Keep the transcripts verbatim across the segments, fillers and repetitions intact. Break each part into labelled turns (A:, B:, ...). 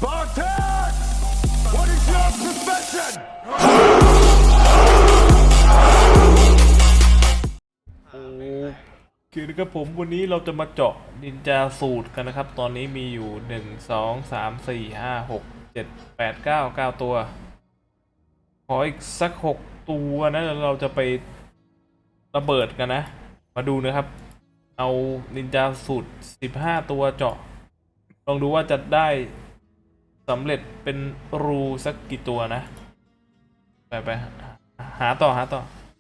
A: Spartan! What is your profession?
B: โอเคนะครับผมวันนี้เราจะมาเจาะนินจาสูตรกันนะครับตอนนี้มีอยู่หนึ่งสองสามสี่ห้าหกเจ็ดแปดเก้าเก้าตัวขออีกสักหกตัวนะแล้วเราจะไประเบิดกันนะมาดูนะครับเอานินจาสูตรสิบห้าตัวเจาะลองดูว่าจะได้สำเร็จเป็นรูสักกี่ตัวนะไปไปหาต่อหาต่อ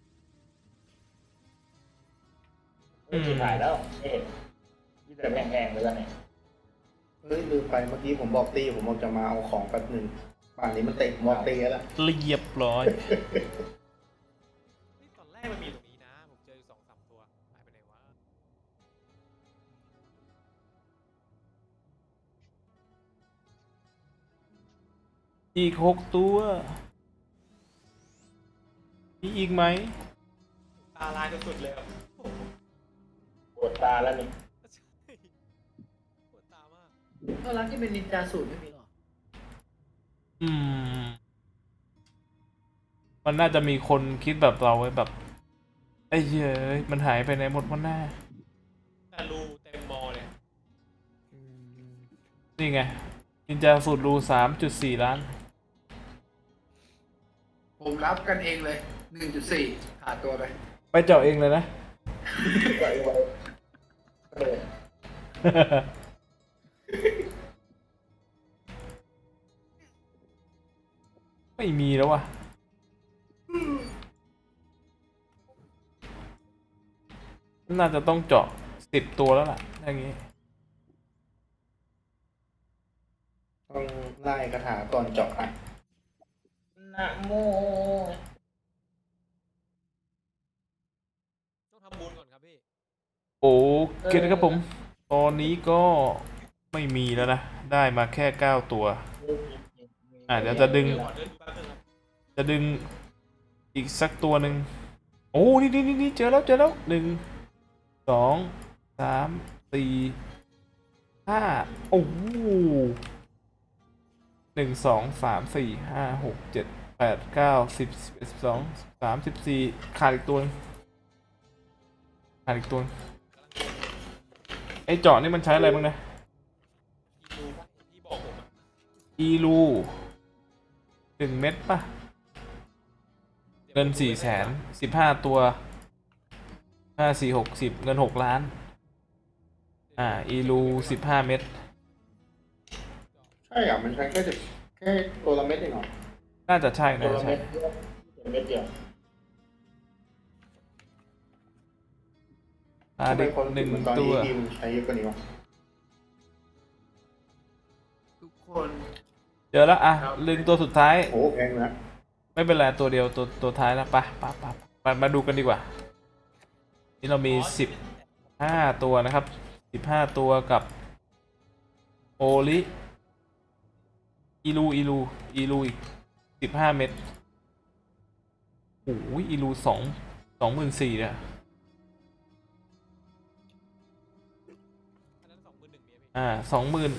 C: อืมถ่ายแล้วไม่เห็นที่แต่แห้งๆเลยแล้วเนี่ย
D: เฮ้ยลืมไปเมื่อกี้ผมบอกตีผมบอกจะมาเอาของแป๊บหนึ่งป่านนี้มันเตะมอตีแล้ว
B: เรียบร้อย
E: นี่ตอนแรกมันมีตรงนี้นะ ผมเจออยู่สองสามตัวหายไปไหนวะ
B: อีกหกตัวมีอีกไหม
E: ตาลายสุดๆเลยครับโอ้โห
C: ปวดตาแล้วนี่
E: ใช่ปวดตามาก
D: ก็ร้านที่เป็นนินจาสูตรไม่มีหรอ
B: อืม มันน่าจะมีคนคิดแบบเราไว้แบบไอ้เหี้ยเอ้ยมันหายไปไหนหมดวันหน้า
E: แต่รูเต็มมอเลย
B: นี่ไงนินจาสูตรรูสามจุดสี่ล้าน
D: ผมรับกันเองเลยหนึ่งจุดสี่ขาดตัวไป
B: ไปเจาะเองเลยนะ
C: ปล่อยไว้เออ
B: ไม่มีแล้ววะน่าจะต้องเจาะสิบตัวแล้วล่ะอย่างงี้
D: ต้องไล่คาถาก่อนเจาะอ่ะ
C: นะโม
E: ต้องทำบุญก่อนครับพี่
B: โอเคนะครับผม ตอนนี้ก็ไม่มีแล้วนะ ได้มาแค่เก้าตัว อ่ะเดี๋ยวจะดึง
E: เดี๋ยวขอเดินดูแป๊บนึงครับ
B: จะดึงอีกสักตัวหนึ่งโอ้นี่นี่นี่นี่เจอแล้วเจอแล้วหนึ่งสองสามสี่ห้าโอ้โหหนึ่งสองสามสี่ห้าหกเจ็ดแปดเก้าสิบสิบเอ็ดสิบสองสิบสามสิบสี่ขาดอีกตัวหนึ่งขาดอีกตัวหนึ่งไอ้เจาะนี่มันใช้อะไรบ้างนะ
E: อีรูปะที่บอกผมอะ
B: อีลูหนึ่งเม็ดป่ะ เงินสี่แสนสิบห้าตัวห้าสี่หกสิบเงินหกล้าน อ่า อีลูสิบห้าเม็ด
D: ใช่อ่ะมันใช้แค่สิบแค่ตัวละเม็ดเองเหรอ
B: น่าจะใช่
C: ตัว
B: น่าจะ
C: ละ
B: ใช่
C: เม็ดเดียวเม็ดเดียว
B: อ่า
D: ทำไม
B: เด็ก
D: คน
B: หนึ่ง
D: เหมือนตอน
B: ตั
D: นี้
B: ว
D: ทีมใช้เยอะกว่านี้วะทุกคน
B: เจอแล้วอ่ะลึงตัวสุดท้าย
D: โอ้แพงนะ
B: ไม่เป็นไรตัวเดียวตัวตัวท้ายแล้วไปไปไปไปมาดูกันดีกว่า นี่เรามีสิบห้าตัวนะครับสิบห้าตัวกับโอลิอีลูอีลูอีลูอีกสิบห้าเม็ดโอ้ยอีลูสองสองหมื่นสี่เนี่ย
E: อันนั้นสองหมื่นหนึ่งเมียพี่
B: อ่าสองหมื่น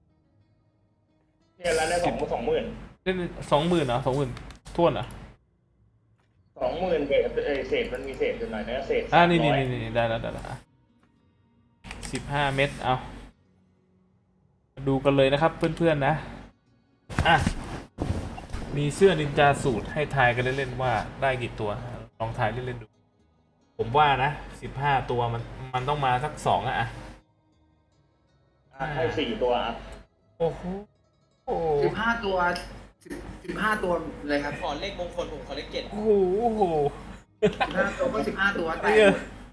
C: เนี่ยแล้วเนี่ยสองสองหมื่น
B: เล่นสองหมื่นเหรอสองหมื่นท่วนเหรอ
C: สองหมื่นเศษเออเศษมันมีเศษอยู่หน่อยนะเศษ
B: อ่านี่
C: สาม
B: นี่
C: ร้อย
B: นี่นี่ได้แล้วได้แล้วสิบห้าเม็ดเอามาดูกันเลยนะครับเพื่อนๆนะอ่ะมีเสื้อนินจาสูตรให้ทายกันเล่นๆว่าได้กี่ตัวลองทายเล่นๆดู ผมว่านะสิบห้าตัวมันมันต้องมาสักสองอะอ่ะ
C: อ่ะให้สี่ตัวอ่ะ
B: โอ้โหโอ้
D: สิบห้าตัวสิบสิบห้าตัวเลยครับ
E: ขอเลขมงคลผมขอเลขเจ็ด
B: โหโอ้โห
D: สิบห้าตัวก็สิบห้าตัวแต่
B: เหี้ย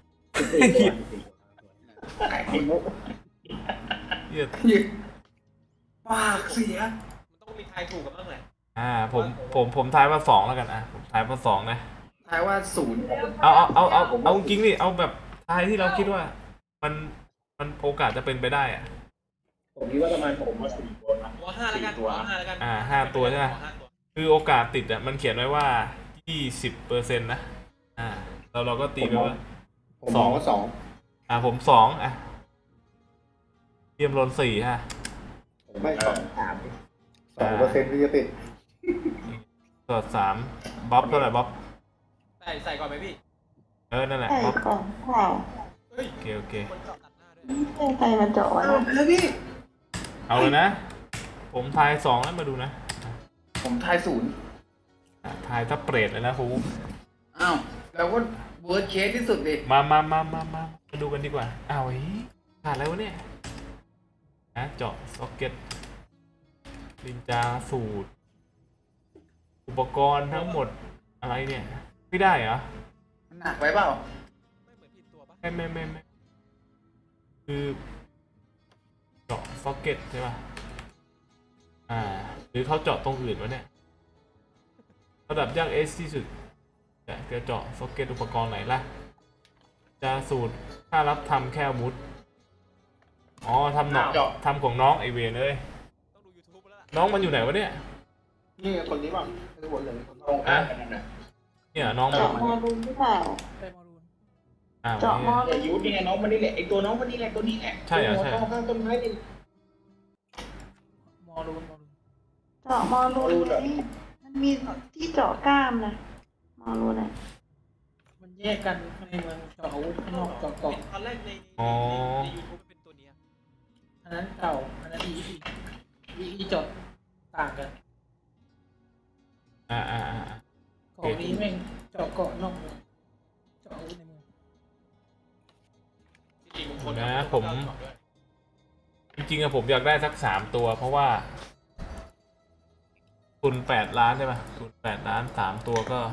D: แต่คนมุก
B: เหี้ย
D: ปากเสีย
E: มันต้องมีทายถูกกันบ้างแหละ
B: อ่าผมผมผมทายว่าสองแล้วกันอ่ะผมทายว่าสองนะ
D: ทายว่าศูนย์
B: เอาเอาเอาเอาเอาจริงๆดิเอาแบบทายที่เราคิดว่า มันมันโอกาสจะเป็นไปได้อ่ะ
C: ผมคิดว่าประมาณผมว่าสี่ตัวนะ
E: หัวห้าแล้วกัน
C: สี่ตัว
E: หัวห้าแล้วกัน
B: อ่าห้าตัวใช่ไหม
E: หัวห้าตัว
B: คือโอกาสติดอ่ะมันเขียนไว้ว่ายี่สิบเปอร์เซ็นต์นะอ่าเราเราก็ตีไปว่า
D: ผมมองว่าสอง
B: อ่าผมสองอ่ะเทียมลนสี่ฮะ
D: ผมไม่สองสามสองเปอร์เซ็นต์ที่จะติด
B: สอดสามบ๊อบเท่าไหร่บ๊อบ
E: ใส่ใส่ก่อนไหมพี่
B: เออนั่นแหละ
F: ใช่
B: บ๊อบ
F: ก่อนเปล่า
E: เฮ้ย
B: โอเคโอเค
E: คนเจาะตัดหน้าด้วย
F: ไม่ใช่ใครมาเจาะวะ
D: แล้วพี่
B: เอาเลยนะ ผมทายสองแล้วมาดูนะ
D: ผมทายศูนย์
B: อ่ะทายถ้าเปรตเลยนะครู
D: อ้าวแล้วก็เวิร์ดเคสที่สุดดิ
B: มามามามามามาดูกันดีกว่าอ้าวเฮ้ยขาดอะไรวะเนี่ยนะเจาะซ็อกเก็ตลินจาสูตร อุปกรณ์ทั้งหมดอะไรเนี่ย ไม่ได้เหรอ
D: มันหนักไปเปล่า
E: ไม่เหมือนผิดตัวปะ
B: ไม่ไม่ไม่ไม่คือเจาะซ็อกเก็ตใช่ป่ะอ่า หรือเขาเจาะตรงอื่นวะเนี่ยระดับยากเอสที่สุดจะจะเจาะซ็อกเก็ตอุปกรณ์ไหนล่ะ จะสูตรถ้ารับทำแค่อาวุธอ๋อทำหนอก
D: เจาะ
B: ทำของน้องไอเวนเลย
E: ต้องดู YouTube แล้วล่ะ
B: น้องมันอยู่ไหนวะเนี่ย
D: นี่คนนี้ป่ะไม่บนเลย
C: ตรงข้ามกันนั่นน่ะ
B: เนี่ยน้องมัน
F: เจาะมอรูนหรือเปล่า
B: อ้าว
F: เจาะมอ
B: เนี่ย
C: แต่ยุทธนี่ไงน้องมันนี่แหละไอตัวน้องมันนี่แหละตัวนี้แหละ
B: ใช่เหรอใช่เหรอ
C: ตัวข้างต้นไม้นี่
F: เจาะมอรูนไหมมันมีที่เจาะกล้ามนะมอรูนอ่ะ
G: มันแยกกันในเมืองเจาะอาวุธข้างนอกเจาะเกาะ
E: ตอนแรกในใน
B: อ๋อ
E: ในยูทูบมันเป็นตัวเนี้ย
G: อันนั้นเก่า อันนั้นอีอีอีอีเจาะต่างกัน
B: อ่าอ่าอ่า
G: เกาะนี้แม่งเจาะเกาะนอกเมืองเจาะอาวุธในเมือง
E: จริงๆบางคน
B: นะ
E: เอา
B: ผม
E: เจาะด้วย
B: จริงๆอะผมอยากได้สักสามตัว เพราะว่าทุนแปดล้านใช่ปะทุนแปดล้านสามตัวก็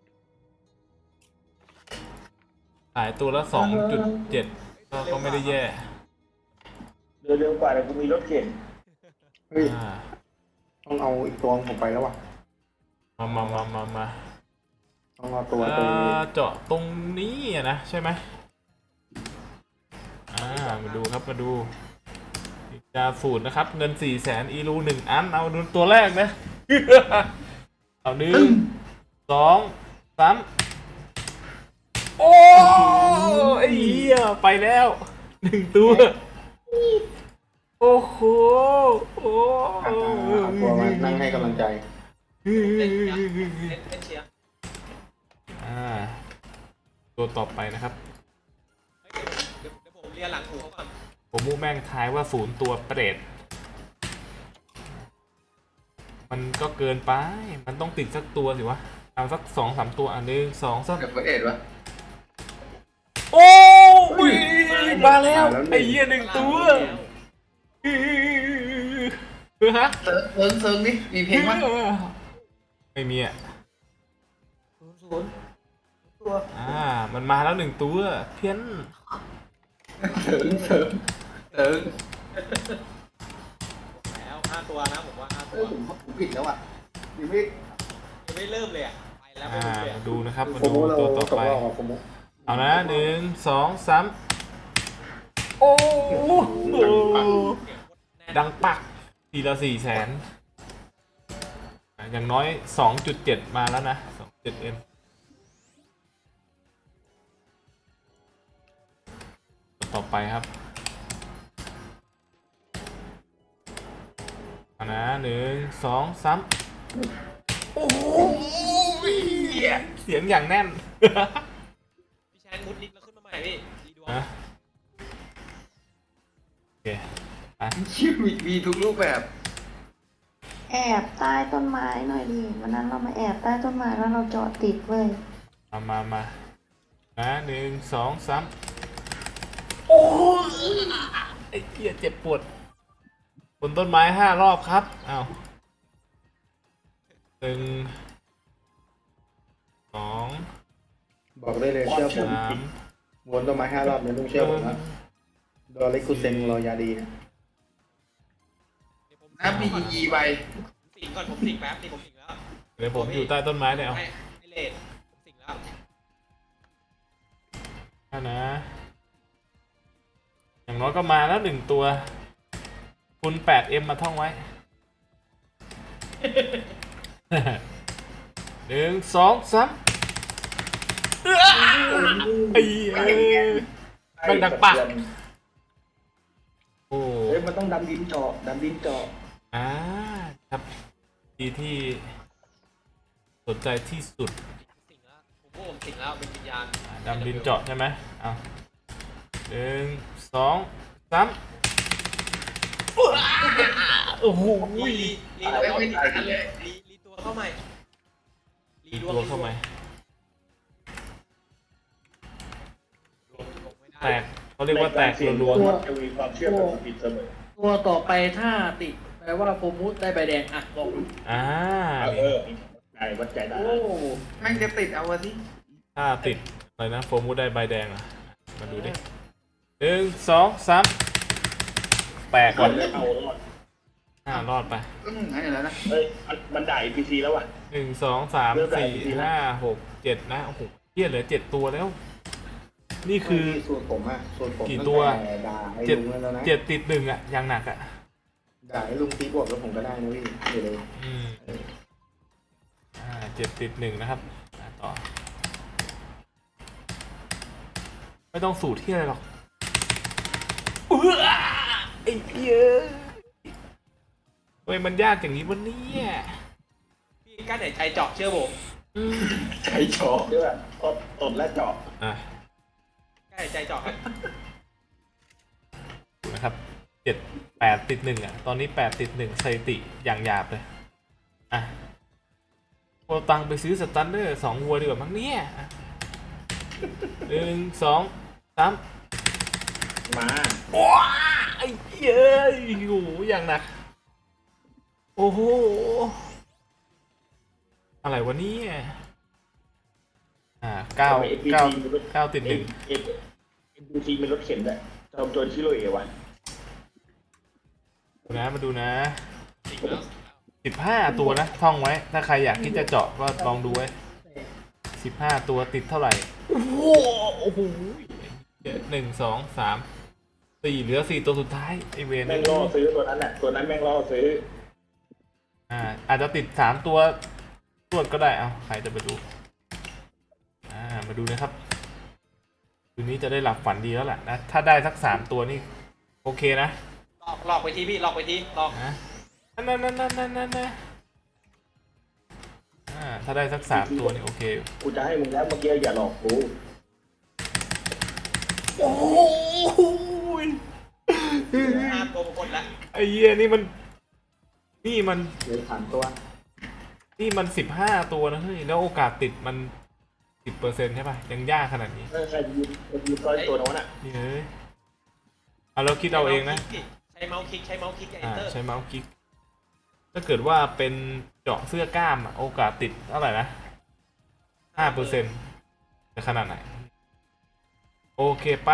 B: ขายตัวละสองจุดเจ็ดก็ก็ไม่ได้แย่
C: เร็วเร็วกว่าแต่กูมีรถเข็น
D: เฮ้ย
B: อ่า
D: ต้องเอาอีกตัวผมไปแล้วว่ะ
B: มามามามามา
D: ต้องเอาตัว
B: เอ่
D: ตัว
B: อเจาะตรงนี้อะนะใช่ไหมอ่ามาดูครับมาดูจาสูตรนะครับ เงินสี่แสนอีรูหนึ่งอันเอาดูตัวแรกนะ เอาหนึ่งสองสามโอ้ไอ้เหี้ยไปแล้วหนึ่งตัวโอ้โหโอ้
D: อ่าเอาตัวมานั่งให้กำลังใจ
E: เล่นเล่นเล่นเชียร์
B: อ่าตัวต่อไปนะครับ
E: เฮ้ยเดี๋ยวเดี๋ยวผมเรียนหลังหูเขาก่อน
B: ผมมูแม่งทายว่าศูนย์ตัวเปรตมันก็เกินไป มันต้องติดสักตัวสิวะ เอาสักสองสามตัวอันหนึ่งสองสาม
D: เดี๋ยวเปิดเอ็ดวะ
B: โอ้ยมาแล้วไอ้เหี้ยหนึ่งตัวเออฮะ
D: เซิร์ฟเซิร์ฟเซิร์ฟนี่มีเพลงมั้ย
B: ไม่มีอ่ะ
G: ศูนย์ศูนย์ตัว
B: อ่า มันมาแล้วหนึ่งตัว เพี้ยน
D: เซิร์ฟเซิร์ฟเซิร์ฟ
E: แล้วห้าตัวนะผมว่าห้า
D: เอ
E: ตัว
D: อผมผมผิดแล้วอ่ะยังไม่
E: ยังไม่เริ่มเลยอ่ะไปแล้ว
B: อ่า
E: ไม่รู้เลย
B: มาดูนะครับ มา
D: โค
B: ดู
D: โมเรา
B: ตัวต่อ
D: ตก
B: ไป
D: รอบกับโคโม
B: เอานะหนึ่งสองสามโอ้โหดังปักทีละสี่แสนอย่างน้อยสองจุดเจ็ดมาแล้วนะสองเจ็ดเอ็มต่อไปครับเอานะหนึ่งสองสามโอ้โหเสียงอย่างแน่น
E: พี่แชนมุดลิงก์แล้วขึ้นมาใหม่พี่ดีดวง
B: ฮะโอเคไป
D: ชื่อมีมีทุกรูปแบบ
F: แอบใต้ต้นไม้หน่อยดิวันนั้นเรามาแอบใต้ต้นไม้แล้วเราเจาะติดเว้ย
B: มามามานะหนึ่งสองสามโอ้ไอ้เกียเจ็บปวดบนต้นไม้ห้ารอบครับอ้าวหนึ่งสอง
D: บอกได้เลยเชื่อผม
B: สาม
D: วนต้นไม้ห้ารอบเนี่ยต้องเชื่อผมนะโดอริกุเซนรอยาดีนะ
E: เดี๋ยวผม
D: น้ำมียีใบ
E: ผมสิงก่อนผมสิงแป๊บนี่ผมสิงแล้ว
B: เดี๋ยวผมอยู่ใต้ต้นไม้เนี่ยเอา
E: ให้ให้เลดผมสิงแล้ว
B: ถ้านะ อย่างน้อยก็มาแล้วหนึ่งตัว คุณแปดเอ็มมาท่องไว้ หนึ่งสองสามไอ้เอ้ย แม่งดังปัก โอ้
C: เฮ้ยมันต้องดำดินเจาะดำดินเจาะ
B: อ่าครับทีที่สนใจที่สุด
E: สิงแล้วผมว่าผมสิงแล้วเป็นวิญญาณ
B: อ่าดำดินเจาะใช่ไหมเอาหนึ่งสองสามโอ้โห
E: ลีลีลีตัวเข้าใหม่ลีลีตัวเข้าใหม่ลีดวง
B: ตัวเข้ามา
E: ลงไม่ได้
B: แตกเขาเรียกว่าแตกรัว
C: ตัวจะมีความเชื่อแบบผิดเสมอ
G: ตัวต่อไปถ้าติดแปลว่าโฟมุสได้ใบแดงอ่ะลอง
B: ๆอ่า
C: เออใจวัดใจได้
G: โอ้
D: แม่งจะติดเอาวะสิ
B: ถ้าติดอะไรนะโฟมูได้ใบแดงอ่ะมาดูดิหนึ่งสองสามแตก
C: ก่
B: ก่
C: อ
B: อน น
C: จะเอารอด
B: อ่ารอดไป
D: ก็มึงให้แล้วนะ
C: เอ้ยมันด่าอีพีซีแล้วว่ะ
B: หนึ่งสองสามสี่ห้าหกเจ็ดนะโอ้โหเฮียเหลือเจ็ดตัวแล้ว นี่คือ
D: ส่วนผมอะส่วนผม
B: กี่ตัว
D: ตั้งแต่ด่าไอ้
B: เจ็ด
D: ลุงแล้วนะ
B: เจ็ดติดหนึ่งอ่ะอย่างหนักอ่ะ
D: ด่าไอ้ลุงตีบวกแล้วผมก็ได้นะพี่เดี๋ยวเลย
B: อืมอ่าเจ็ดติดหนึ่งนะครับอ่าต่อ ไม่ต้องสูตรที่อะไรหรอกเอื้อไอ้เหี้ยทำไมมันยากอย่างนี้วะเนี่ย
E: พี่กั้นหายใจเจาะเชื่อผม
B: อืม
C: ใจเจาะด้วยตดตดและเจาะ
B: อ่ะ
E: กั้นหายใจเจาะครับ
B: นะครับเจ็ดแปดติดหนึ่งอ่ะ ตอนนี้แปดติดหนึ่งสถิติอย่างหยาบเลย อ่ะเอาตังค์ไปซื้อสตันเดอร์สองวัวดีกว่ามั้งเนี่ยอ่ะหนึ่งสองสาม
C: มา
B: ว้าไอ้เหี้ยเอ้ยโอ้โหอย่างหนัก โอ้โห อะไรวะเนี่ยอ่าเก้าเก้าเก้าติดหนึ่ง
C: เอ็นดูทีเป็นรถเข็นด้วยจอมโจรชิโรเอวะ
B: ดูนะมาดูนะ
E: สิงแล้ว
B: สิบห้าตัวนะ ท่องไว้ ถ้าใครอยากที่จะเจาะก็ลองดูไว้สิบห้าตัวติดเท่าไหร่ โอ้โหโอ้โหหนึ่งสองสามสี่เหลือสี่ตัวสุดท้ายไอเวน
C: แม่งล่อซื้อตัวนั้นแหละตัวนั้นแม่งล่อซื้อ
B: อ่าอาจจะติดสามตัวตรวจก็ได้เอาใครจะไปดูอ่ามาดูนะครับคืนนี้จะได้หลับฝันดีแล้วแหละนะถ้าได้สักสามตัวนี่โอเคนะ
E: หลอกหลอกไปทีพี่หลอกไปทีหลอก
B: นะนั่นนั่นนั่นนั่นนั่นนะอ่าถ้าได้สักสามตัวนี่โอเคอยู่
C: กูจะให้มึงแล้วเมื่อกี้อย่าหลอกกู
B: โอ้ย
E: ห้าตัวหมดละ
B: ไอ้เหี้ยนี่มันนี่มัน
D: เหลือสามตัว
B: นี่มันสิบห้าตัวนะเฮ้ยแล้วโอกาสติดมันสิบเปอร์เซ็นต์ใช่ป่ะยังยากขนาดนี้
C: เออใครยืนใครยืนต้อยตัวโน้นอ่ะ
B: นี่เอ้ยเอาเราคิดเอาเองนะ
E: ใช้เมาส์คลิกใช้เมาส์คลิกกับ
B: อ่า
E: enter
B: ใช้เมาส์คลิกถ้าเกิดว่าเป็นเจาะเสื้อกล้ามอะโอกาสติดเท่าไหร่นะห้าเปอร์เซ็นต์จะขนาดไหนโอเคไป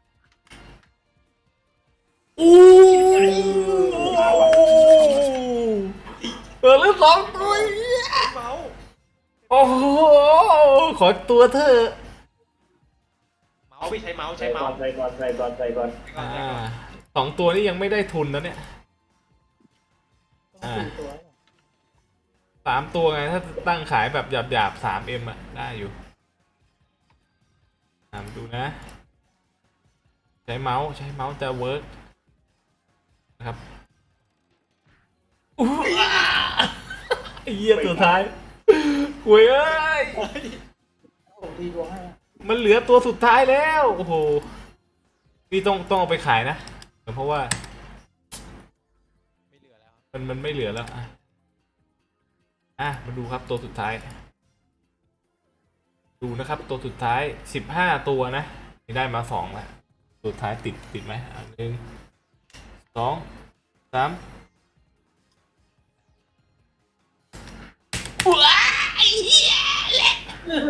B: โอ้เออแล้วสองตัว
E: เมาส์
B: โอ้โหขอตัวเธอะ
E: เมาส์พี่ใช้เมาส์ใช้
C: ใส่ก่อ
E: เมาน ส์
C: ใส่ก่อนใส่ก่อนใส่ก่อน
E: ใช้ก่อ
B: อ่าน
E: ใช้ก่อน
B: สองตัวนี้ยังไม่ได้ทุนนะเนี่ย อ่า
G: สี่ตัว
B: สามตัวไงถ้าตั้งขายแบบหยาบหยาบสามเอ็มอะได้อยู่ตามดูนะ ใช้เมาส์ใช้เมาส์จะเวิร์กนะครับอู้อ่าไอ้เหี้ยตัวท้ายหวยเอ้ย
G: ผมตีดวงให้นะ
B: มันเหลือตัวสุดท้ายแล้วโอ้โหนี่ต้องต้องเอาไปขายนะเพราะว่า
E: ไม่เหลือแล้ว
B: มันมันไม่เหลือแล้วอ่ะอ่ะมาดูครับตัวสุดท้าย ดูนะครับตัวสุดท้ายสิบห้าตัวนะนี่ได้มาสองแล้วตัวสุดท้ายติดติดไหมอ่ะหนึ่งสองสามว้ายเหี้ยแหละ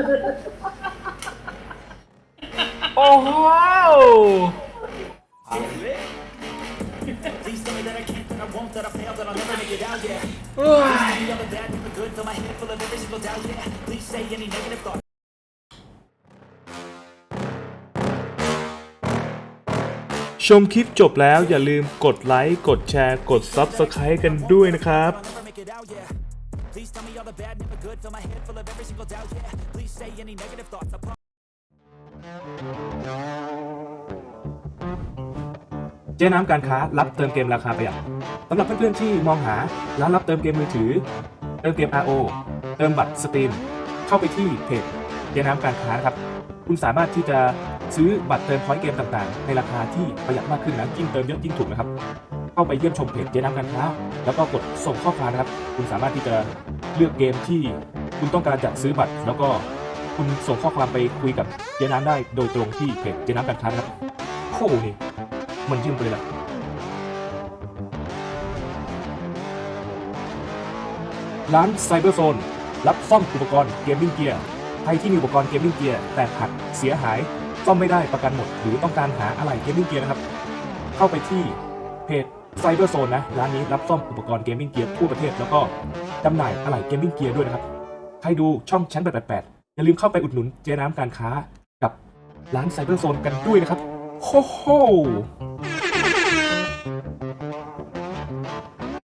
B: โอ้โห
A: Please tell me that I can't, that I won't, that I failed, that I'll never make it out, yeah.
B: เฮ้ย
A: Please tell me all the bad, never good, fill my head full of every single doubt, yeah. Please say any negative thought.
B: ชมคลิปจบแล้วอย่าลืมกดไลค์กดแชร์กด ซับสไครบ์ กันด้วยนะครับ
A: I'll never make it out, yeah. Please tell me all the bad, never good, fill my head full of every single doubt, yeah. Please say any negative thoughts, I promise.
H: เจ๊น้ำการค้ารับเติมเกมราคาประหยัดสำหรับเพื่อนๆที่มองหาร้านรับเติมเกมมือถือเติมเกม อาร์ โอ เติมบัตรสตรีมเข้าไปที่เพจเจ๊น้ำการค้านะครับคุณสามารถที่จะซื้อบัตรเติมพอยต์เกมต่างๆในราคาที่ประหยัดมากขึ้นนะยิ่งเติมเยอะยิ่งถูกนะครับเข้าไปเยี่ยมชมเพจเจ๊น้ำการค้าแล้วก็กดส่งข้อความนะครับคุณสามารถที่จะเลือกเกมที่คุณต้องการจะซื้อบัตรแล้วก็คุณส่งข้อความไปคุยกับเจ๊น้ำได้โดยตรงที่เพจเจ๊น้ำการค้านะครับโอ้โหนี่มันยิ่งไปเลยล่ะร้านไซเบอร์โซนรับซ่อมอุปกรณ์เกมมิ่งเกียร์ใครที่มีอุปกรณ์เกมมิ่งเกียร์แตกหักเสียหายซ่อมไม่ได้ประกันหมดหรือต้องการหาอะไหล่เกมมิ่งเกียร์นะครับเข้าไปที่เพจไซเบอร์โซนนะร้านนี้รับซ่อมอุปกรณ์เกมมิ่งเกียร์ทั่วประเทศแล้วก็จำหน่ายอะไหล่เกมมิ่งเกียร์ด้วยนะครับใครดูช่องชั้นแปดแปดแปดอย่าลืมเข้าไปอุดหนุนเจ๊น้ำการค้ากับร้านไซเบอร์โซนกันด้วยนะครับโฮโฮ